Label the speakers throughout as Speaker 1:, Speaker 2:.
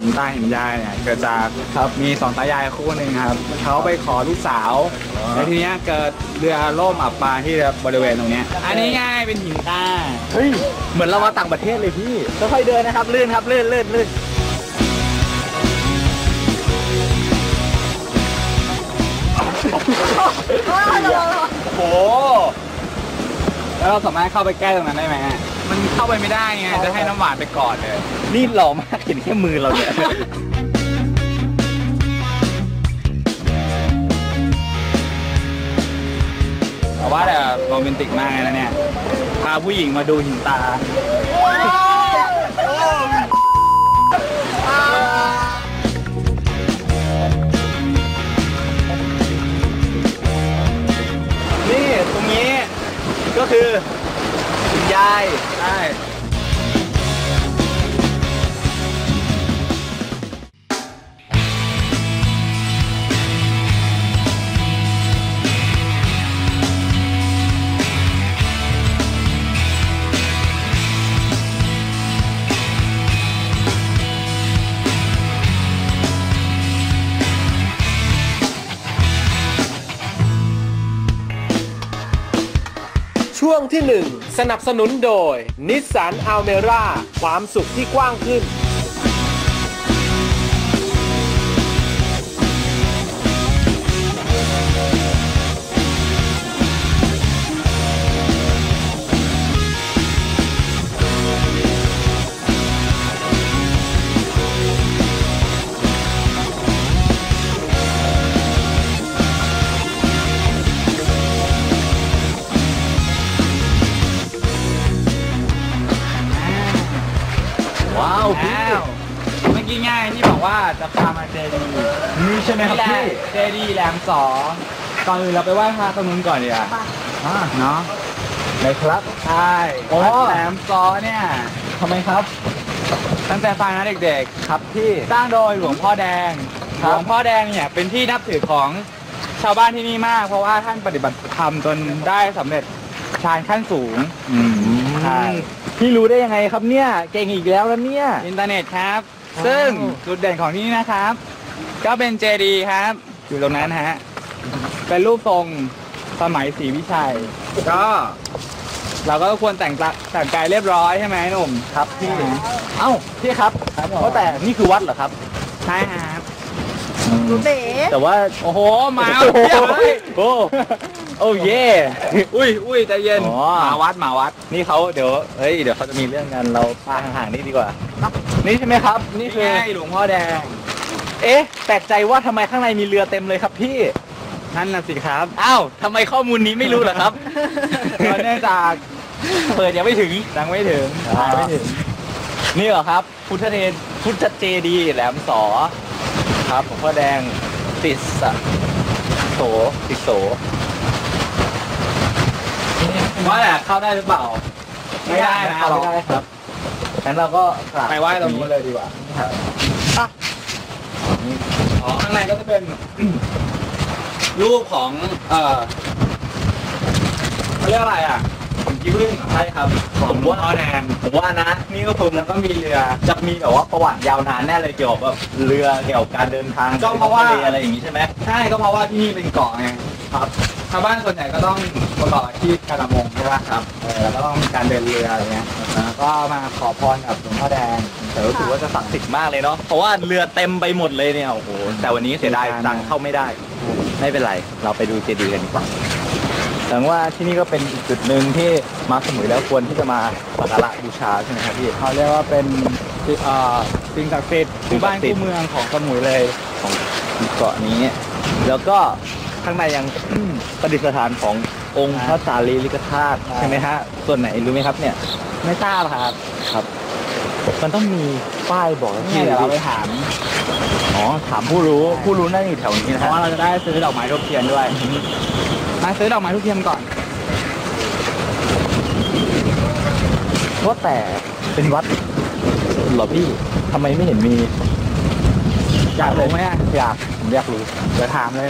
Speaker 1: หินตาหินยายเนี่ยเกิดจากมีสองตายายคู่หนึ่งครับเขาไปขอลูกสาวแล้วทีเนี้ยเกิดเรือล่มอับปางที่บริเวณตรงเนี้ยอันนี้ง่ายเป็นหินตา
Speaker 2: เฮ้ยเหมือนเรามาต่างประเทศเลยพี่
Speaker 1: ค่อยๆเดินนะครับลื่นครับลื่นโอ้โหแล้วเราสามารถเข้าไปใกล้ตรงนั้นได้ไหมมันเข้าไปไม่ได้ไงจะให้น้ำหวานไปก่อนเลย
Speaker 2: นี่หล่อมากเห็นแค่มือเราเนี่ย
Speaker 1: แต่ว่าแต่โรแมนติกมากเลยนะเนี่ยพาผู้หญิงมาดูหินตานี่ตรงนี้ก็คือคุณยายใช่
Speaker 3: ช่วงที่ 1 สนับสนุนโดย Nissan Almera ความสุขที่กว้างขึ้น
Speaker 1: เมื่อกี้ง่ายที่บอกว่าจะพามาเจดีนี่ใช่ไหมครับพี่เจดีแหลมสอก่อนอื่นเราไปไหว้พระตรงนู้นก่อนดีกว่าเนาะ
Speaker 2: เลยครับ
Speaker 1: ใช่วัดแหลมสอเนี่ย
Speaker 2: ทำไมครับ
Speaker 1: ตั้งแต่ฟังนะเด็กๆครับพี่สร้างโดยหลวงพ่อแดงหลวงพ่อแดงเนี่ยเป็นที่นับถือของชาวบ้านที่นี่มากเพราะว่าท่านปฏิบัติธรรมจนได้สำเร็จฌานขั้นสูง
Speaker 2: ใช่พี่รู้ได้ยังไงครับเนี่ยเก่งอีกแล้วเนี่ย
Speaker 1: อินเทอร์เน็ตครับซึ่งจุดเด่นของที่นี่นะครับก็เป็นเจดีย์ครับอยู่ตรงนั้นฮะเป็นรูปทรงสมัยศรีวิชัยก็เราก็ควรแต่งกายเรียบร้อยใช่ไหมหนุ่ม
Speaker 2: ครับพี่เอ้าพี่ครับเพราะแต่นี่คือวัดเหรอครับ
Speaker 1: ใช่ครับ
Speaker 2: แต่ว่า
Speaker 1: โอ้โหมาเพียบเลย
Speaker 2: โอ้เย่
Speaker 1: อุ้ยใจเย็นมาวัด
Speaker 2: นี่เขาเดี๋ยวเขาจะมีเรื่องกันเราพาห่างๆนี่ดีกว่านี่ใช่ไหมครับนี่คือ
Speaker 1: หลวงพ่อแดง
Speaker 2: แปลกใจว่าทำไมข้างในมีเรือเต็มเลยครับพี่
Speaker 1: นั่นน่ะสิครับ
Speaker 2: อ้าวทำไมข้อมูลนี้ไม่รู้เหรอครับ
Speaker 1: เนื่องจาก
Speaker 2: เปิดยังไม่ถึงนี่เหรอครับพุทธเจดีย์แหลมสอครับหลวงพ่อแดงติดโส
Speaker 1: ว่าแต่เข้าได้หรือเปล่าไม่ได้นะ
Speaker 2: ไม่ได้ครับงั้นเราก็
Speaker 1: ไปไหว้ตรงนู้นเลยดีกว่าข้างในก็จะเป็นรูปของเขาเรียกอะไรอ่ะยิ้มใช่ครับ
Speaker 2: ผมว่า
Speaker 1: แดง
Speaker 2: ผมว่านะนี่ก็ผม
Speaker 1: แล้วก็มีเรือ
Speaker 2: จะมีแบบว่าประวัติยาวนานแน่เลยเกี่ยวกับเรือเกี่ยวกับการเดินทาง
Speaker 1: ก็เพราะว่า
Speaker 2: อะไรอย่างนี้ใช่ไหม
Speaker 1: ใช่ก็เพราะว่าที่นี่เป็นเกาะไง
Speaker 2: ครับ
Speaker 1: ชาวบ้านส่วนใหญ่ก็ต้องประกอบอาชีพการประมงใช่ป่ะครับแล้วก็ต้องมีการเดินเรืออะไรเงี้ยก็มาขอพรกับหลวงพ่อแดง
Speaker 2: แต่รู้สึกว่าจะศักดิ์สิทธิ์มากเลยเนาะเพราะว่าเรือเต็มไปหมดเลยเนี่ยโอ้โหแต่วันนี้เสียดายตังเข้าไม่ได้ไม่เป็นไรเราไปดูเจดีย์กันดีกว่าแสดงว่าที่นี่ก็เป็นอีกจุดหนึ่งที่มาสมุยแล้วควรที่จะมาสักการะบูชาใช่ไหมครับพี่
Speaker 1: เขาเรียกว่าเป็นสิ่งศักดิ์สิทธิ์คู่บ้านคู่เมืองของสมุยเลย
Speaker 2: ของเกาะนี้แล้วก็ข้างในยังประดิษฐานขององค์พระสารีริกธาตุใช่ไหมฮะส่วนไหนรู้ไหมครับเนี่ย
Speaker 1: ไม่ทราบครับ
Speaker 2: มันต้องมีป้ายบอก
Speaker 1: ที่เราไปถาม
Speaker 2: ถามผู้รู้นั่นอยู่แถวนี้นะ
Speaker 1: เพราะว่าเราจะได้ซื้อดอกไม้ทูบเทียนด้วยมาซื้อดอกไม้ทูบเทียนก่อน
Speaker 2: ว่าแต่เป็นวัดเหรอพี่ทำไมไม่เห็นมี
Speaker 1: อยากรู้ไหม
Speaker 2: ผมอยากรู้
Speaker 1: จะถามเลย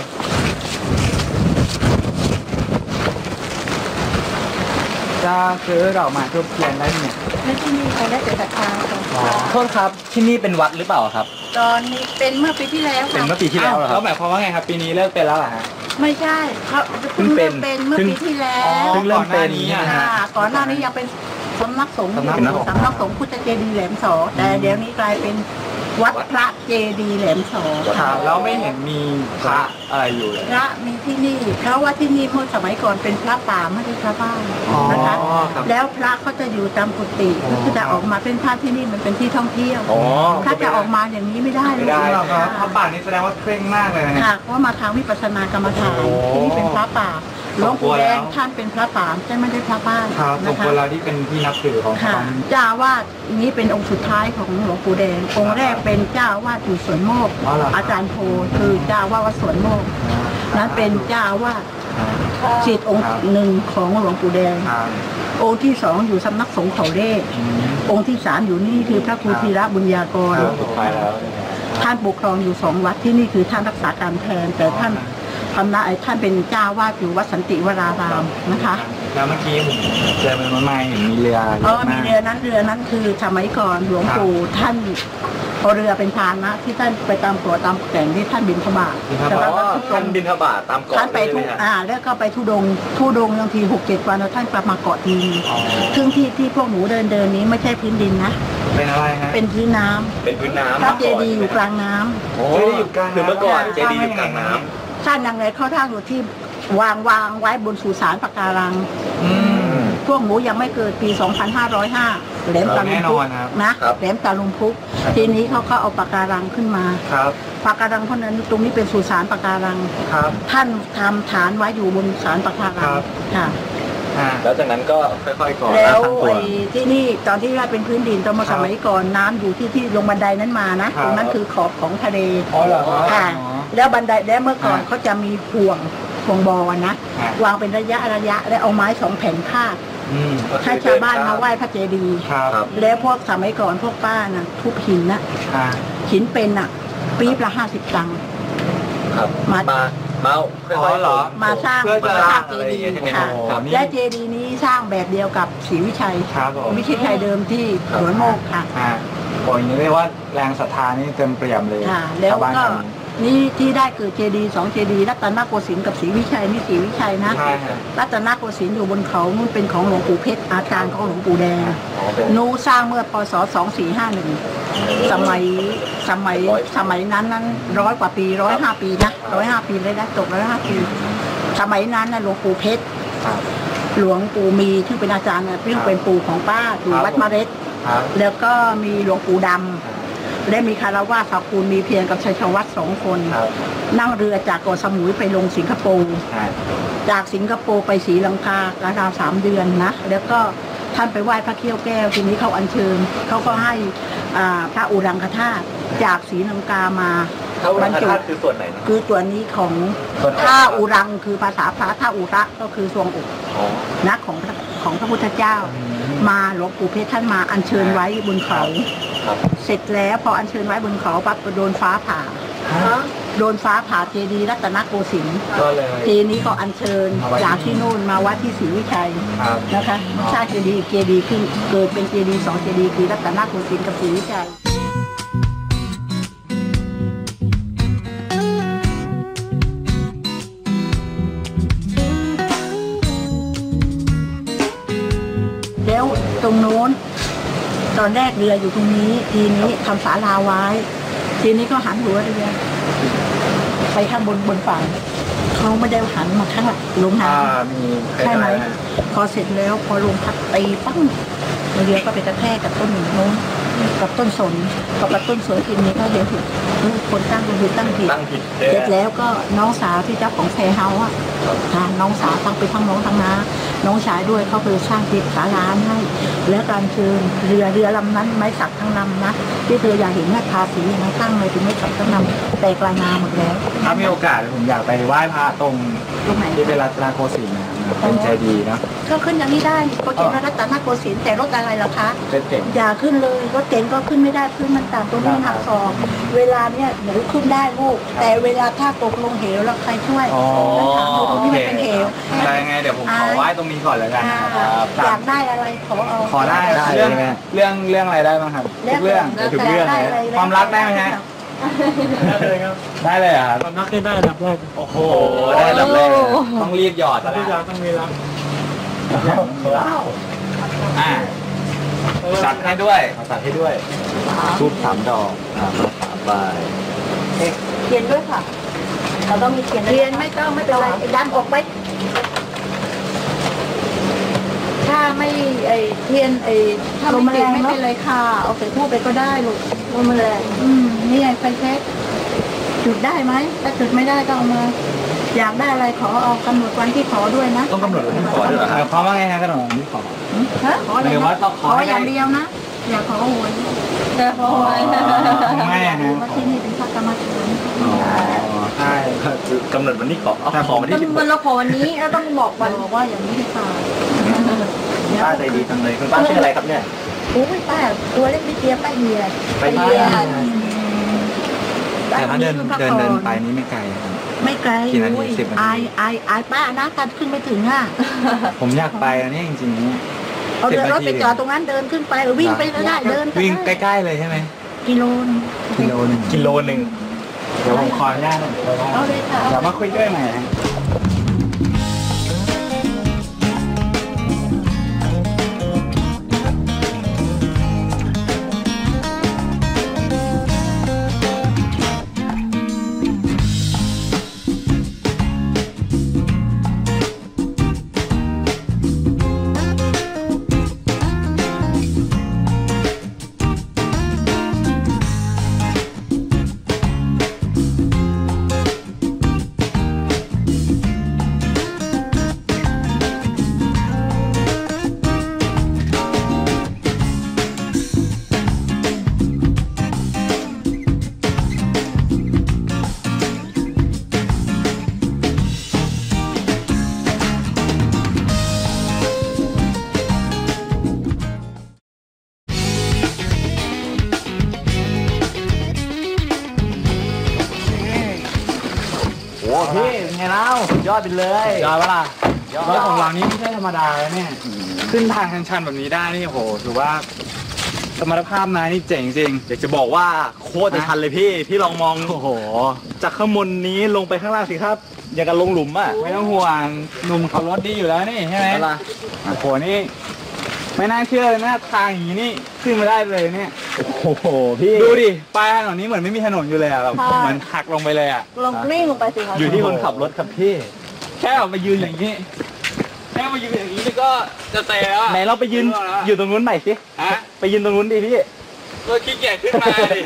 Speaker 1: จะซื้อดอกไม้ทูบเทียนได้เนี่ย
Speaker 4: และที่นี่เขาได้แต่ศรัทธาค่ะ
Speaker 2: โทษครับที่นี่เป็นวัดหรือเปล่าครับ
Speaker 4: ตอนนี้เป็นเมื่อปีที่แล้ว
Speaker 2: เป็น
Speaker 4: ค่ะ
Speaker 2: เมื่อปีที่แล้วเหรอค
Speaker 1: แล้
Speaker 2: รั
Speaker 1: ว
Speaker 2: บ
Speaker 1: หมายความว่าไงครับ ปีนี้เลิกเป็นแล้วเหรอฮะ
Speaker 4: ไม่ใช่เขา
Speaker 2: เพิ่งเป็น
Speaker 4: เป็นเมื่อปีที่แล้
Speaker 1: อ๋อ
Speaker 4: ว
Speaker 2: เพิ่งเริ่มเป็น
Speaker 1: ก่อนหน้านี้อะฮะ
Speaker 4: ค่ะก่อนหน้านี้ยังเป็นสำนักสงฆ์อยู่
Speaker 2: สำนักสงฆ์
Speaker 4: สำนักสงฆ์พุทธเจดีย์แหลมสอแต่เดี๋ยวนี้กลายเป็นวัดพระเจดีย์แหลมสอ
Speaker 1: ค
Speaker 4: ค่ะ
Speaker 1: รับแล้วไม่เห็นมีพระอะไรอยู่เลย
Speaker 4: พระมีที่นี่เพราะว่าที่นี่เมื่อสมัยก่อนเป็นพระป่าไม่ใช่พระบ้าน
Speaker 1: อ๋อ
Speaker 4: นะคะ
Speaker 1: ครับ
Speaker 4: แล้วพระเขาจะอยู่ตามกุฏิก็คือจะออกมาเป็นพระที่นี่มันเป็นที่ท่องเที่ยว
Speaker 2: อ๋อ
Speaker 4: ถ้าจะออกมาอย่างนี้ไม่ได้เลย
Speaker 1: ไม่ได้หรอกครับพระ
Speaker 4: ค่ะ
Speaker 1: ป่านี่แสดงว่าเคร่งมากเลยนะฮะ
Speaker 4: ค่ะเพราะมาทางวิปัสสนากรรมฐาน
Speaker 1: โอ้
Speaker 4: ที่นี่เป็นพระป่าหลวงปู่แดง
Speaker 1: สมควรแล้ว
Speaker 4: ท่านเป็นพระป่าแต่ไม่ได้พระบ้าน
Speaker 1: ครับส
Speaker 4: นะ
Speaker 1: มค
Speaker 4: คะ
Speaker 1: วรเราที่เป็นที่นับถือของ
Speaker 4: ค่ะ
Speaker 1: เขา
Speaker 4: เจ้าอาวาสนี้เป็นองค์สุดท้ายของหลวงปู่แดงองค์แรกเป็นเจ้าอาวาสอยู่สวนโมก
Speaker 1: อ๋อเหรอครับ
Speaker 4: อาจารย์โพคือเจ้าอาวาสวัดสวนโมกนั้นเป็นเจ้าอาวาสศิษย์องค์หนึ่งของหลวงปู่แดง
Speaker 1: ครับ
Speaker 4: องค์ที่สองอยู่สำนักสงฆ์เขาเล่
Speaker 1: อืม
Speaker 4: องค์ที่สามอยู่นี่คือพระครูธีระบุญญากร
Speaker 1: ครับ
Speaker 2: สุดท้ายแล้ว
Speaker 4: ท่านปกครองอยู่สองวัดที่นี่คือท่านรักษาการแทน แต่ท่านทำหน้าท่านเป็นเจ้าวาดอยู่วัดสันติวรารามนะคะ
Speaker 1: แล้วเมื่อกี้ผมเจอเป็นไม้เห็นมีเรือ
Speaker 4: เออมีเรือนั้นคือสมัยก่อนหลวงปู่ท่านเอาเรือเป็นพาหนะที่ท่านไปตามตัวตามแก่งที่ท่านบินทบาท
Speaker 2: อ๋
Speaker 4: แต่ว่า
Speaker 2: อท่านบินทบาทตามเกาะ
Speaker 4: ท่านไป
Speaker 2: เลย
Speaker 4: ทุ
Speaker 2: ใช่ไหมฮะ
Speaker 4: แล้วก็ไปทุดงบางที6-7 วันแล้วท่านกลับมาเกาะที
Speaker 1: อ๋อ
Speaker 4: ซึ่งที่พวกหนูเดินนี้ไม่ใช่พื้นดินนะ
Speaker 1: เป็นอะไรฮะ
Speaker 4: เป็นพื้นน้ำ
Speaker 2: เป็นพื้นน้ำ
Speaker 4: พระเจดีย์อยู่กลางน้ำ
Speaker 2: โอ้
Speaker 1: เจดีย์อยู่กลางน้ำ
Speaker 2: คือเมื่อก่อนเจดีย์อยู่กลางน้
Speaker 4: ท่านยังไงเข้าทางอยู่ที่วางไว้บนสุสานปะการัง
Speaker 1: อืม
Speaker 4: พวกหนูยังไม่เกิดปี 2505 แหลมตาลุม
Speaker 1: แน่น
Speaker 4: พุ
Speaker 1: อก นครับ
Speaker 4: นะแหลมตาลุมพุก ทีนี้เขาก็เอาปะการังขึ้นมา
Speaker 1: ครับ
Speaker 4: ปะการังเพราะนั้นตรงนี้เป็นสุสานปะการัง
Speaker 1: ครับ
Speaker 4: ท่านทำฐานไว้อยู่บนศาลปะการัง
Speaker 1: ครับ
Speaker 4: ค่ะ
Speaker 1: อ่า
Speaker 2: ำแล้วจากนั้นก็ค่อยๆก่อ
Speaker 4: แล้ว
Speaker 2: ตั้งตัว
Speaker 4: ไอ้ที่นี่ตอนที่ว่าเป็นพื้นดินตอนมา
Speaker 1: ครั
Speaker 4: ส
Speaker 1: บ
Speaker 4: มัยก่อนน้ำอยู่ที่ลงบันไดนั้นมานะ
Speaker 1: ครับ
Speaker 4: ตรงนั้นคือขอบของทะเล
Speaker 1: อ๋อเหรอครับ
Speaker 4: ค่ะ
Speaker 1: อ๋อ
Speaker 4: แล้วบันไดแล้วเมื่อก่อน
Speaker 1: อ่า
Speaker 4: เขาจะมีห่วงบอนะ
Speaker 1: อ่า
Speaker 4: วางเป็นระยะแล้วเอาไม้2 แผ่นพาด
Speaker 1: อืม
Speaker 4: ให้ชาวบ้านมาไหว้พระเจดีย์
Speaker 1: ครับ
Speaker 2: ครับ
Speaker 4: แล้วพวกสมัยก่อนพวกป้าน่ะทุบหินนะ
Speaker 1: อ่า
Speaker 4: หินเป็นน่ะปี๊บละ50 ตังค์
Speaker 2: ครับ
Speaker 4: มา
Speaker 2: มาค่อยๆ
Speaker 1: เหรอ
Speaker 4: มาสร้าง
Speaker 1: เพื่อจะ
Speaker 4: สร้าง
Speaker 2: อะ
Speaker 4: เจ
Speaker 2: ไรอย่าง
Speaker 4: ดี
Speaker 2: เงี้ย
Speaker 4: ย์
Speaker 2: ใช่ไหม
Speaker 4: ค่ะ
Speaker 1: โอ้โหนี่
Speaker 4: และเจดีย์นี้สร้างแบบเดียวกับศรีวิชัย
Speaker 1: ครับผม
Speaker 4: วิชิตชัยเดิมที่สวนโมกค่ะ
Speaker 1: อ่าโอ้ยางนี้เรียกว่าแรงศรัทธานี่เต็มเปี่ยมเลย
Speaker 4: ค่ะ แล้ว
Speaker 1: ชาวบ้าน
Speaker 4: ก็
Speaker 1: แถวนี้
Speaker 4: นี่ที่ได้เกิดเจดีย์2 เจดีย์รัตนโกสินทร์กับศรีวิชัยนี่ศรีวิชัยนะ
Speaker 1: ใช่ครับ
Speaker 4: รัตนโกสินทร์อยู่บนเขานู่นเป็นของหลวงปู่เพชรอาจารย์ของหลวงปู่แดง
Speaker 2: อ๋อเป็น
Speaker 4: นูสร้างเมื่อพศ 2451 สมัยนั้น100 กว่าปี105 ปีนะ105 ปีเลยนะจบ105 ปี สมัยนั้นนะหลวงปู่เพชร
Speaker 1: ครับ
Speaker 4: หลวงปู่มีที่เป็นอาจารย์นะที่เป็นปู่ของป้าอยู่
Speaker 1: ครับ
Speaker 4: วัดมะเร็ด
Speaker 1: ครับ
Speaker 4: แล้วก็มีหลวงปู่ดำและมีคารวะสาคูลมีเพียงกับชัยชวัฒน์2 คน
Speaker 1: ครับ
Speaker 4: นั่งเรือจากเกาะสมุยไปลงสิงคโปร์
Speaker 1: อ่า
Speaker 4: จากสิงคโปร์ไปศรีลังการาว3 เดือนนะแล้วก็ท่านไปไหว้พระเขี้ยวแก้วทีนี้เขาอัญเชิญเขาก็ให้พระอุรังคธาตุจากศรีลังกามา
Speaker 2: พระอุรังคธาตุคือส่วนไหนนะ
Speaker 4: คือตัวนี้ของ
Speaker 2: ส่วนอก
Speaker 4: ท่าอุรังคือภาษาพระท่าอุระก็คือทรวงอก
Speaker 2: อ๋อ
Speaker 4: นะของพระพุทธเจ้า มาหลวงปู่เพชรท่านมาอัญเชิญไว้บนเขา
Speaker 2: ครับ
Speaker 4: เสร็จแล้วพออัญเชิญไว้บนเขาปั๊บก็โดนฟ้าผ่า โดนฟ้าผ่าเจดีย์รัตนโกสินทร์
Speaker 1: ก็เลย
Speaker 4: ทีนี้ก็อัญเชิญ
Speaker 1: มาไว้
Speaker 4: จากที่นู่นมาวัดที่ศรีวิชัย
Speaker 1: ครับ
Speaker 4: นะคะสร้างเจดีย์ขึ้นเกิดเป็นเจดีย์2 เจดีย์คือรัตนโกสินทร์กับศรีวิชัยแล้วตรงโน้นตอนแรกเรืออยู่ตรงนี้ ทีนี้ทำศาลาไว้ ทีนี้ก็หันหัวเรือไปข้างบนฝั่งเขาไม่ได้หันมาข้างหลังลงน้ำ
Speaker 1: มี
Speaker 4: ใช่ไหมพอเสร็จแล้วพอลมพัดตีปั้งเรือก็ไปกระแทกกับต้นโน้นกับต้นสนพอกับต้นสนทีนี้ก็เดี๋ยวผิดคนตั้งก็คือตั้งผิด
Speaker 2: ตั้งผิด
Speaker 4: เสร็จแล้วก็น้องสาวที่เจ้าของแพรเฮาส์อ่ะค่ะน้องสาวทั้งไปทั้งน้องทั้งน้าน้องชายด้วยเขาคือสร้างติดศาลาให้แล้วการเชิญเรือลำนั้นไม้สักทั้งลำนะที่เธออยากเห็นหน้าทาสีอย่างนั้นตั้งเลยถึงไม้สักทั้งลำแต่กลายนาหมดแล้ว
Speaker 1: ถ้ามีโอกาสผมอยากไปไหว้พระตรง
Speaker 4: ตรงไหน
Speaker 1: ที่เป็นรัตนโกสินทร์นะครับเป็นเจดีย์เนาะ
Speaker 4: ก็ขึ้นอย่างนี้ได้โปรเจกต์รัตนโกสินทร์แต่รถอะไรล่ะคะ
Speaker 1: เป็นเจ๋ง
Speaker 4: อย่าขึ้นเลยรถเก๋งก็ขึ้นไม่ได้พื้นมันต่ำตัวนี้หักศอกเวลาเนี่ยหนูขึ้นได้ลูกแต่เวลาถ้าตกลงเหวแล้วใครช่วย
Speaker 1: อ๋อ
Speaker 4: แล้วถามหนูตรงนี้มันเป็นเหว
Speaker 1: ได้ไงเดี๋ยวผมขอไหว้ตรงนี้ก่อนแล้วกันนะครับ
Speaker 4: อยากได้อะไรขอเอา
Speaker 1: ขอได้เรื่องอะไรได้บ้างครับทุกเรื่อง
Speaker 4: แล้ว
Speaker 1: ทุก
Speaker 4: แต่
Speaker 1: เรื่อง
Speaker 4: ได้
Speaker 1: เลย
Speaker 4: อะไร
Speaker 1: ความรักได้ไหมฮะ
Speaker 5: ได้เลยครับ
Speaker 1: ได้เลยเหรอครับ
Speaker 5: ความรักได้อันดับแรก
Speaker 1: โอ้โหได้แบบแรกต้องรีบหยอด
Speaker 5: ทุ
Speaker 1: แล้ว
Speaker 5: กอย่างต้องมีรัก
Speaker 1: อ่าจัดให้ด้วย
Speaker 2: ตัดให้ด้วยทูบ3 ดอกมา3 ใบ
Speaker 4: เทียนด้วยค่ะเราต้องมีเทียนเทียนไม่ต้องไม่เป็นไรดันออกไปถ้าไม่เทียนถ้าไม่ติดไม่เป็นไรค่ะเอาใส่ทูบไปก็ได้ลูกลมแรงนี่ไงไฟเช็คจุดได้ไหมถ้าจุดไม่ได้ก็เอามาอยากได้อะไรขอเอากำหนดวันที่ขอด้วยนะ
Speaker 2: ต้องกำหนดวันที่ขอด้วยเหรอครับ
Speaker 1: เขาว่าไงฮะขนมที่ขอ
Speaker 4: ฮะขออะไร
Speaker 1: หรือว่า
Speaker 4: นะ
Speaker 1: ต้องข
Speaker 4: ข
Speaker 1: อ
Speaker 4: อ
Speaker 1: ให้
Speaker 4: อย่างเดียวนะอย่าขอหวยอย่าขอหวย
Speaker 1: ไม่อะฮะ
Speaker 4: เพราะที่นี่เป็นพระกรรมฐาน
Speaker 1: ใช่
Speaker 2: กำหนดวันที่ขอเอาขอวันที่
Speaker 4: มันเราขอวันนี้เราต้องบอกวันบอกว่าอย่างนี้ดีกว่า
Speaker 2: ป้าใจดีจังเลยคุณป้าชื่ออะไรครับเนี่ย
Speaker 4: โอ้ยป้าตัวเล็กนิดเดียวป้าเฮีย
Speaker 2: ป้าเฮีย
Speaker 1: แต่ถ้าเดินไปนี่ไม่ไกลครับ
Speaker 4: ไม่ไกล
Speaker 1: กี่นาที
Speaker 4: โอ้ย
Speaker 1: 10 นาที
Speaker 4: อายป้านะการขึ้นไม่ถึงอ่ะ
Speaker 1: ผมอยากไปอันนี้จริงๆเนี่ย
Speaker 4: เอาเดินรถไปจอดตรงนั้นเดินขึ้นไปวิ่งไปก็ได้เดิน
Speaker 1: วิ่งใกล้ๆเลยใช่ไหม
Speaker 4: กิโลนึง
Speaker 1: กิโลหนึ่ง
Speaker 2: กิโลหนึ่ง
Speaker 1: เดี๋ยวผมขออนุญาต
Speaker 4: เอาเลยค่ะ
Speaker 1: เดี๋ยวมาคุยด้วยใหม่ฮะ
Speaker 2: โอ้พี่เป็นไงเล่าสุดยอดไปเลย
Speaker 1: ยอดปะล่ะ
Speaker 2: ยอด
Speaker 1: รถของเรานี่ไม่ใช่ธรรมดาเลยเนี่ย ขึ้นทางชันๆแบบนี้ได้นี่โหถือว่าสมรรถภาพนายนี่เจ๋งจริง
Speaker 2: อยากจะบอกว่าโคตรจะชันเลยพี่ลองมอง
Speaker 1: โอ้โห
Speaker 2: จากข้างบนนี้ลงไปข้างล่างสิครับ อย่างกับลงหลุมอ่ะ
Speaker 1: ไม่ต้องห่วงหนุ่มขับรถดีอยู่แล้วนี่ใช่ไหม
Speaker 2: อะไร
Speaker 1: โอ้โหนี่ไม่น่าเชื่อเลยนะทางอย่างนี้นี่ขึ้นมาได้เลยเนี่ย
Speaker 2: โอ้โหพี่
Speaker 1: ดูดิปลายถนนนี้เหมือนไม่มีถนนอยู่เลยอะแบบเหมือนหักลงไปเลยอะ
Speaker 4: ลงกลิ้งลงไปสิคะ
Speaker 2: อยู่ที่คนขับรถครับพี่
Speaker 1: แค่ออกมายืนอย่างนี้แค่มายืนอย่างนี้นี่ก็จะเตะแล้วอะ
Speaker 2: ไหนเราไปยืนอยู่ตรงนู้นใหม่สิ
Speaker 1: ฮะ
Speaker 2: ไปยืนตรงนู้นดิพี่
Speaker 1: ก็ขี้เกียจขึ้นมาดิ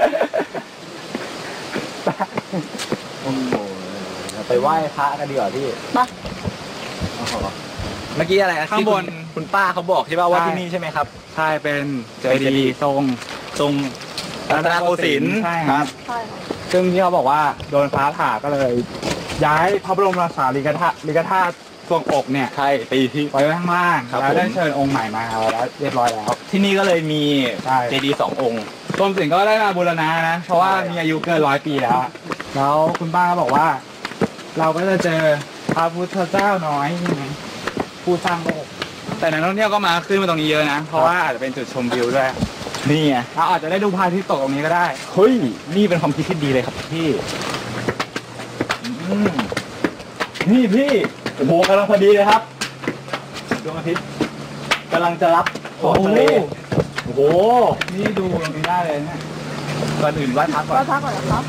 Speaker 2: โอ้โหไปไหว้พระกันดีกว่าพี่
Speaker 4: มา
Speaker 2: เมื่อกี้อะไร
Speaker 1: ข้างบน
Speaker 2: คุณป้าเขาบอกใช่ป่ะว่า
Speaker 1: ใช่
Speaker 2: ที่นี่ใช่ไหมครับ
Speaker 1: ใช่เป็นเจ
Speaker 2: เป็นเจ
Speaker 1: ดี
Speaker 2: ดีย์
Speaker 1: ย์ทรง
Speaker 2: ตรงรัตนโกสินทร์
Speaker 1: ใช่ครับ
Speaker 4: ใช่ค่ะ
Speaker 1: ซึ่งที่เขาบอกว่าโดนฟ้าผ่าก็เลย ย้ายพระบรมราชาลิกธาตุทรวงอกเนี่ย
Speaker 2: ใช่ไปที่
Speaker 1: ไว้ข้างล่าง
Speaker 2: ครับ
Speaker 1: แล้วได้
Speaker 2: ผม
Speaker 1: เชิญองค์ใหม่มาแล้วเรียบร้อยแล้ว
Speaker 2: ที่นี่ก็เลยมี
Speaker 1: ใช่
Speaker 2: เจดีย์2 องค์
Speaker 1: กรมศิลป์ก็ได้มาบูรณะนะ เพราะว่ามีอายุเกิน100 ปีแล้ว แล้วคุณป้าก็บอกว่า เราก็จะเจอพระพุทธเจ้าน้อยใช่ไหมผู้สร้างโลกแต่นักท่องเที่ยวก็มาขึ้นมาตรงนี้เยอะนะ เพราะว่าอาจจะเป็นจุดชมวิวด้วย
Speaker 2: นี่ไง
Speaker 1: เราอาจจะได้ดูพระอาทิตย์ตกตรงนี้ก็ได้
Speaker 2: เฮ้ยนี่เป็นความคิดที่ดีเลยครับพี่อืมนี่พี่โอ้โหกำลังพอดีเลยครับดวงอาทิตย์กำลังจะรับขอบทะเลโอ้โห
Speaker 1: นี่ดูตรงนี้ได้เลยเนี่ยก่อนอื่นไหว้พระก่อน
Speaker 4: ก็พักก่อนนะครับ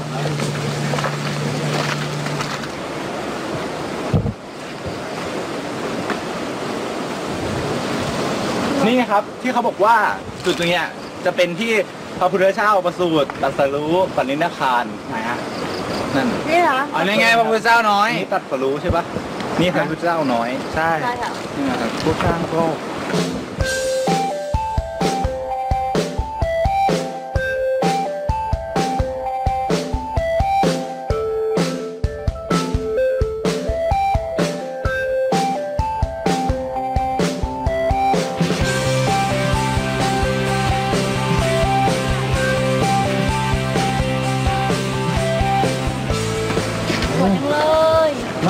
Speaker 2: นี่นะครับที่เขาบอกว่าจุดตรงเนี้ยจะเป็นที่พระพุทธเจ้าประสูติตรัสรู้ปณิธาน
Speaker 1: ไหนฮะ
Speaker 2: นั่น
Speaker 4: นี่เหรอ
Speaker 1: อ๋อนี่ไงพระพุทธเจ้าน้อย
Speaker 2: นี่ตรัสรู้ใช่ปะนี่พระพุทธเจ้าน้อย
Speaker 1: ใช่
Speaker 4: ใช่ค่ะ
Speaker 2: นี่นะครับ
Speaker 1: ผู้สร้างโลก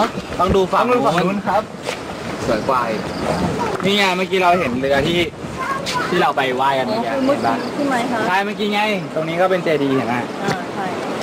Speaker 2: ต้องดูฝั่งนู้นครับ
Speaker 1: สวยกว่าอีกนี่ไงเมื่อกี้เราเห็นเรือที่เราไปไหว้กันเมื่อกี้เห็นปะ
Speaker 6: ใช่ไหมคะ
Speaker 1: ใช่เมื่อกี้ไง ตรงนี้ก็เป็นเจดีย์เห็นไหม
Speaker 6: ใช่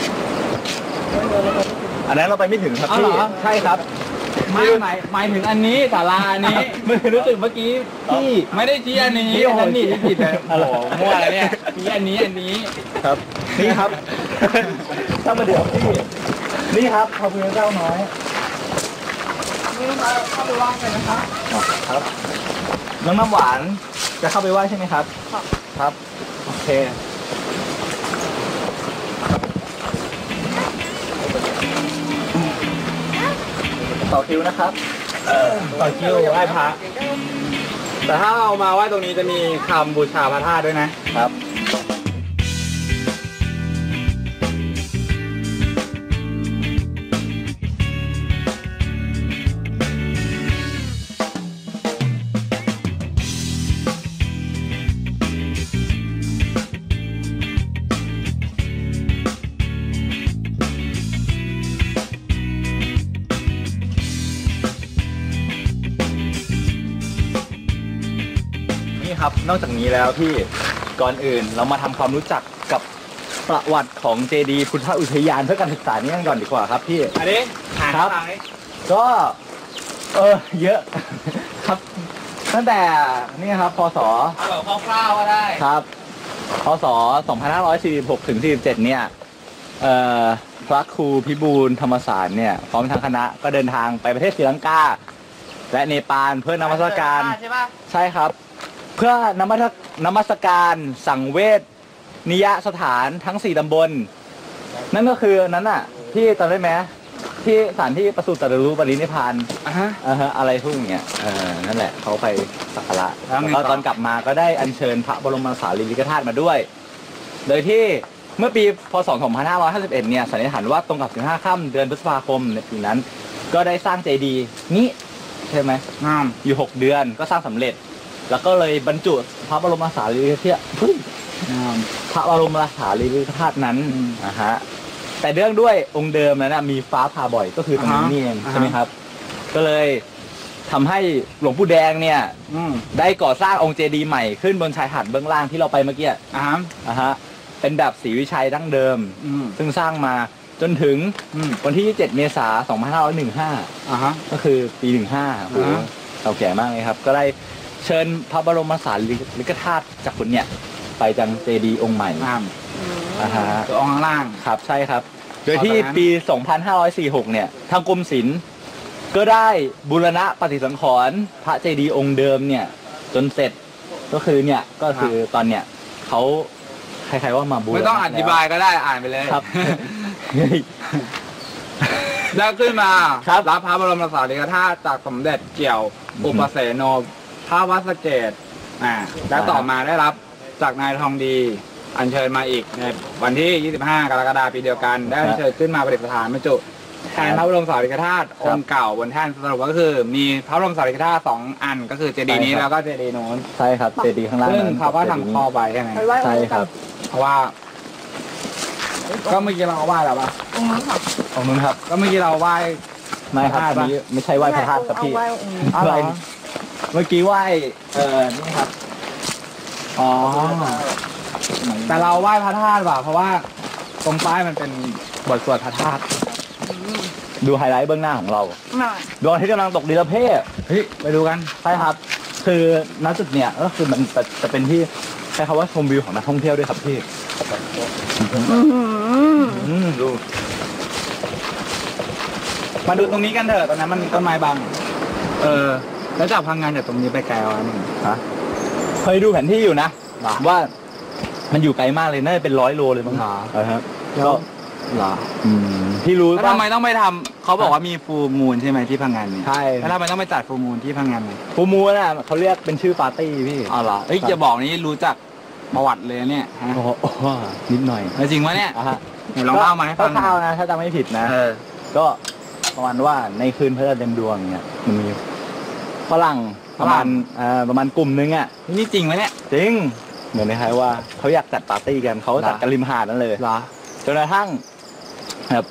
Speaker 2: อันนั้นเราไปไม่ถึงครับ
Speaker 1: อ๋อ
Speaker 2: พี่
Speaker 1: เหรอ
Speaker 2: ใช่ครับ
Speaker 1: ไม่หมายถึงอันนี้ศาลาอันนี้
Speaker 2: ไม่รู้สึกเมื่อกี้พี่
Speaker 1: ไม่ได้ชี้อันนี้
Speaker 2: พี่โอ้โห
Speaker 1: อันนี้ผิดเลย
Speaker 2: อ๋
Speaker 1: โอ้
Speaker 2: อ
Speaker 1: โหมั่วเลยเนี่ยชี้อันนี้
Speaker 2: ครับนี่ครับถ้ามาเดี๋ยวพี่นี่ครับพระพุทธเจ้าน้อย
Speaker 1: นี่เข้าไปไหว้กันนะคะ
Speaker 2: ครับน้องน้ำหวานจะเข้าไปไหว้ใช่ไหมครับครับโอเคต่อคิวนะครับต่อคิวไหว้พระ
Speaker 1: แต่ถ้าเรามาไหว้ตรงนี้จะมีคำบูชาพระธาตุด้วยนะครับ
Speaker 2: นี่ครับนอกจากนี้แล้วพี่ก่อนอื่นเรามาทำความรู้จักกับประวัติของเจดีย์พุทธอุทยานเพื่อการศึกษานี้กันก่อนดีกว่าครับพี่
Speaker 1: อันนี้อ่าน
Speaker 2: ครับ
Speaker 1: ข้างหลังนี้
Speaker 2: ก็เยอะ ครับตั้งแต่นี่ครับพศ
Speaker 1: เอาแบบคร่าวๆก็ได้
Speaker 2: ครับพศ 2546 ถึง 47 เนี่ยพระครูพิบูลธรรมศาสตร์เนี่ยพร้อมทางคณะก็เดินทางไปประเทศศรีลังกาและเนปาลเพื่อนมัสการ
Speaker 1: ใช่ป่ะ
Speaker 2: ใช่ครับ เพื่อนมัสการสังเวชนิยสถานทั้ง 4 ตำบล นั่นก็คือนั้นน่ะที่จำได้ไหมที่สถานที่ประสูติตรัสรู้ปรินิพพาน
Speaker 1: ฮะ
Speaker 2: อะไรพวกอย่างเงี้ยนั่นแหละเขาไปสักการะ
Speaker 1: แล้วไง
Speaker 2: แล้ว
Speaker 1: ต่อ
Speaker 2: ตอนกลับมาก็ได้อัญเชิญพระบรมสารีริกธาตุมาด้วย โดยที่เมื่อปีพศ 2551 เนี่ยสันนิษฐานว่าตรงกับ 15 ค่ำเดือนพฤษภาคมในปีนั้น ก็ได้สร้างเจดีย์นี้ใช่ไหม
Speaker 1: งาม
Speaker 2: อยู่ 6 เดือนก็สร้างสำเร็จ แล้วก็เลยบรรจุพระบรมสารีริกธาตุพระบรมสารีริกธาตุนั้นนะฮะแต่เรื่องด้วยองค์เดิมนั้นนะมีฟ้าผ่าบ่อยก็คือตรงนี้นี่เองใช่ไหมครับ ก็เลยทำให้หลวงปู่แดงเนี่ยได้ก่อสร้างองค์เจดีย์ใหม่ขึ้นบนชายหาดเบื้องล่างที่เราไปเมื่อกี้เป็นแบบศรีวิชัยดั้งเดิมซึ่งสร้างมาจนถึงวันที่ 27 เมษายน 2515ก็คือปี 15โอ้โหเก่าแก่มากเลยครับก็ได้เชิญพระบรมสารีริกธาตุจากคนเนี่ยไปจังเจดีย์องค์ใหม่
Speaker 1: ตัวองค์ข้างล่าง
Speaker 2: ครับใช่ครับโดยที่ปี 2546 เนี่ยทางกรมศิลป์ก็ได้บูรณะปฏิสังขรณ์พระเจดีย์องค์เดิมเนี่ยจนเสร็จก็คือเนี่ยก็คือตอนเนี่ยเขาใครๆว่ามาบูรณะ
Speaker 1: ไม่ต้องอธิบายก็ได้อ่านไปเลย
Speaker 2: ครับ
Speaker 1: แล้วขึ้นมา
Speaker 2: ครับ
Speaker 1: รับพระบรมสารีริกธาตุจากสมเด็จเกี่ยวอุปเสโนพระวัดสะเกษแล้วต่อมาได้รับจากนายทองดีอัญเชิญมาอีกในวันที่ 25 กรกฎาคมปีเดียวกัน ได้อัญเชิญขึ้นมาประดิษฐานบรรจุแทนพระบรมสารีริกธาตุองค์เก่าบนแท่นสรุปก็คือมีพระบรมสารีริกธาตุ2 อันก็คือเจดีย์นี้แล้วก็เจดีย์โน้น
Speaker 2: ใช่ครับเจดีย์ข้างล่าง
Speaker 1: ซึ่งเขาก็ทำข้อไปใช่ไหม
Speaker 2: ใช่ครับ
Speaker 1: เพราะว่า ก็เมื่อกี้เราไหว้แล้วป่ะ
Speaker 6: องค์นี้ค่ะ
Speaker 2: ของนู้นครับ
Speaker 1: ก็เมื่อกี้เราไหว้
Speaker 2: ไม่ครับอันนี้ไม่ใช่ไหว้พระธาตุครับพี่
Speaker 6: เอาไหว้องค์นี้
Speaker 1: อ๋อเหรอ
Speaker 2: เมื่อกี้ไหว้นี่ครับ
Speaker 1: อ๋อแต่เราไหว้พระธาตุว่ะเพราะว่าตรงป้ายมันเป็นบทสวดพระธาตุ
Speaker 2: ดูไฮไลท์เบื้องหน้าของเรา
Speaker 6: หน่อย
Speaker 2: ดวงอาทิตย์กำลังตกดินเพศ
Speaker 1: เฮ้ยไปดูกัน
Speaker 2: ใช่ครับ คือณจุดเนี่ยก็คือมันจะเป็นที่ใช้คำว่าชมวิวของนักท่องเที่ยวด้วยครับพี่ดู
Speaker 1: มาดูตรงนี้กันเถอะตรงนั้นมันมีต้นไม้บังแล้วจากพังงานจากตรงนี้ไปไกลวะมึง
Speaker 2: ฮะเคยดูแผนที่อยู่นะว่ามันอยู่ไกลมากเลยน่าจะเป็น100 โลเลยมั้งครับก็เหรอที่รู้
Speaker 1: แล้วทำไมต้องไปทำเขาบอกว่ามีฟูลมูนใช่ไหมที่พังงานนี่
Speaker 2: ใช่
Speaker 1: แล้วทำไมต้องไปจัดฟูลมูนที่พังงานนี่
Speaker 2: ฟูมูน่ะเขาเรียกเป็นชื่อปาร์ตี้พี่
Speaker 1: อ๋อเหรอเอ้ยจะบอกนี่รู้จักประวัติเลยเนี่ยฮะ
Speaker 2: โอ้โหนิดหน่อย
Speaker 1: แล้วจริงวะเนี่ย
Speaker 2: ฮะ
Speaker 1: เดี๋ยวลองเล่ามาให้ฟัง
Speaker 2: คร่าวๆนะถ้าจำไม่ผิดนะก็ประมาณว่าในคืนพระจันทร์เต็มดวงเนี่ยมันมีฝรั่งประมาณกลุ่มนึงอ่ะ
Speaker 1: นี่จริงไหมเนี่ย
Speaker 2: จริงเหมือนคล้ายๆว่าเขาอยากจัดปาร์ตี้กันเขาจัดกันริมหาดนั่นเลย
Speaker 1: เหรอ
Speaker 2: จนกระทั่งแบบ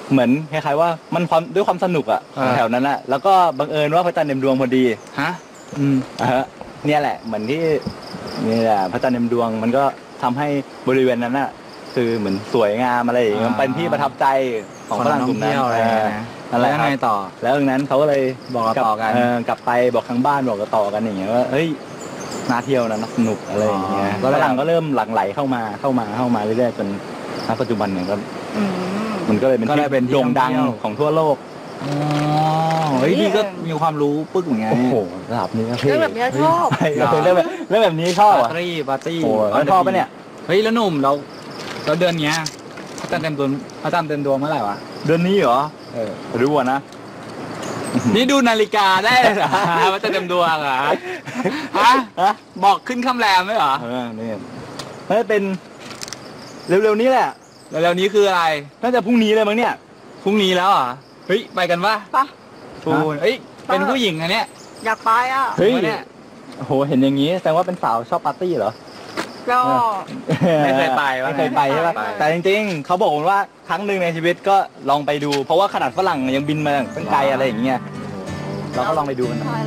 Speaker 2: เหมือนคล้ายๆว่ามันด้วยความสนุกอะแถวนั้นอะแล้วก็บังเอิญว่าพระจันทร์เต็มดวงพอดี
Speaker 1: ฮะ
Speaker 2: ฮะเนี่ยแหละเหมือนที่นี่แหละพระจันทร์เต็มดวงมันก็ทำให้บริเวณนั้นอะคือเหมือนสวยงามอะไรอย่างเงี้ยมันเป็นที่ประทับใจของฝรั่งกลุ่มนั้น
Speaker 1: อะไรนะ
Speaker 2: นั่นแหละ
Speaker 1: แล้วยังไงต่อ
Speaker 2: แล้วดังนั้นเขาก็เลย
Speaker 1: บอกต่อกัน
Speaker 2: กลับไปบอกทางบ้านบอกต่อกันอย่างเงี้ยว่าเฮ้ยน่าเที่ยวนะสนุกอะไรอย่างเงี้ย
Speaker 1: ก็เลย
Speaker 2: ฝรั่งก็เริ่มหลั่งไหลเข้ามาเรื่อยๆจนณปัจจุบันเนี่ยก็มันก็เลยเป็น
Speaker 1: ก็เลยเป็นที่
Speaker 2: โด่งดัง
Speaker 1: ท่องเที่ยว
Speaker 2: ของทั่วโลก
Speaker 1: อ๋อเฮ้ยพี่ก็มีความรู้ปึ๊กเหมือนกัน
Speaker 2: โอ้โหระดับนี้ก็เท่
Speaker 6: เรื่องแบบนี้ชอบ
Speaker 2: ใช่เรื่องแบบนี้ชอบอ่ะ
Speaker 1: ปาร์ตี้
Speaker 2: โอ้แล้วชอบปะเนี่ย
Speaker 1: เฮ้ยแล้วหนุ่มเราเดือนเนี้ยพระจันทร์เต็มดวงเมื่อไหร่วะ
Speaker 2: เดือนนี้เหรอรู้อ่ะนะ
Speaker 1: นี่ดูนาฬิกาได้เลยเหรอ ว่าจะเต็มดวงเหรอฮะบอกขึ้นคำแรมไหมเหรอ
Speaker 2: นี่น่าจะเป็นเร็วๆนี้แหละ
Speaker 1: แล้วเร็วนี้คืออะไร
Speaker 2: น่าจะพรุ่งนี้เลยมั้งเนี่ย
Speaker 1: พรุ่งนี้แล้วเหรอเฮ้ยไปกันปะ
Speaker 6: ปะ
Speaker 1: ปูนเฮ้ยเป็นผู้หญิงอันเนี้ย
Speaker 6: อยากไปอ่ะ
Speaker 2: เฮ้ย
Speaker 1: เนี่ย
Speaker 2: โอ้โหเห็นอย่างนี้แสดงว่าเป็นสาวชอบปาร์ตี้เหรอ
Speaker 6: ก็
Speaker 1: ไม่เคยไปวะ
Speaker 2: ไม่เคยไปใช่ปะ
Speaker 1: ไป
Speaker 2: แต่จริงๆเขาบอกว่าครั้งหนึ่งในชีวิตก็ลองไปดู เพราะว่าขนาดฝรั่งยังบินมาตั้งไกลอะไรอย่างเงี้ยเราก็ลองไปดูกันนะ
Speaker 6: อะไร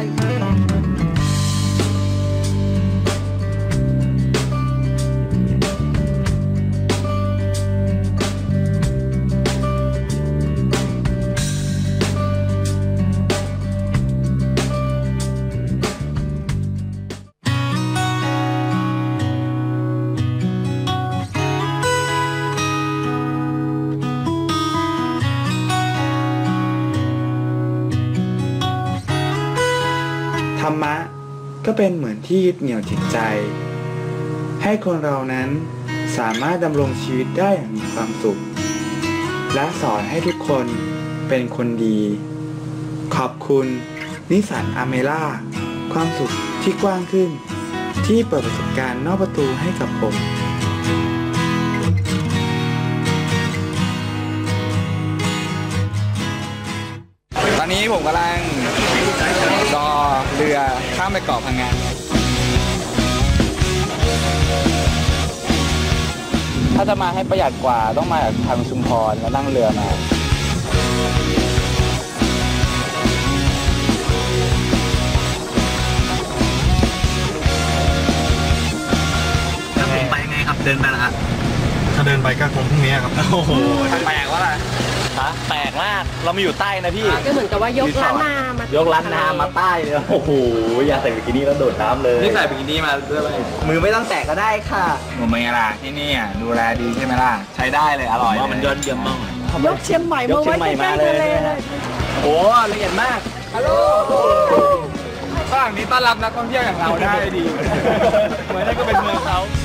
Speaker 7: ธรรมะก็เป็นเหมือนที่ยึดเหนี่ยวจิตใจ ให้คนเรานั้นสามารถดำรงชีวิตได้อย่างมีความสุข และสอนให้ทุกคนเป็นคนดี ขอบคุณนิสสันอเมร่าความสุขที่กว้างขึ้น ที่เปิดประสบการณ์นอกประตูให้กับผม
Speaker 1: ตอนนี้ผมกำลังรอเรือข้ามไปเกาะพังงานถ้าจะมาให้ประหยัดกว่าต้องมาจากทางชุมพรแล้วนั่งเรือมาไปไงครับเดินไปนะฮะ
Speaker 5: ถ้าเดินไปก็คงพรุ่งนี้ครับ
Speaker 2: โอ้โห
Speaker 1: แปลกว่าอะไร
Speaker 2: แปลกมากเรามาอยู่ใต้นะพี่
Speaker 6: ก็เหมือนกับว่ายกล้านนามาย
Speaker 2: กร้านน้ำมาใต้เลยโอ้โหอยากใส่บิกินี่แล้วโดดน้ำเลย
Speaker 1: นี่ใส่บิกินี่มาด้วยไหม
Speaker 2: มือไม่ต้องแตะก็ได้ค่ะ
Speaker 1: ผมเป็นไงล่ะที่นี่อ่ะดูแลดีใช่ไหมล่ะใช้ได้เลยอร่อย
Speaker 2: ว่ามันยอดเยี่ยมมาก
Speaker 6: ยกเชียงใหม่มาไว้ใกล้ๆทะเลเลย
Speaker 2: โอ้ละเอียดมาก
Speaker 6: ฮัลโหล
Speaker 1: ฝรั่งนี้ต้อนรับนักท่องเที่ยวอย่างเราได้ดี
Speaker 2: เหมือนนั่นก็เป็นเมืองเขา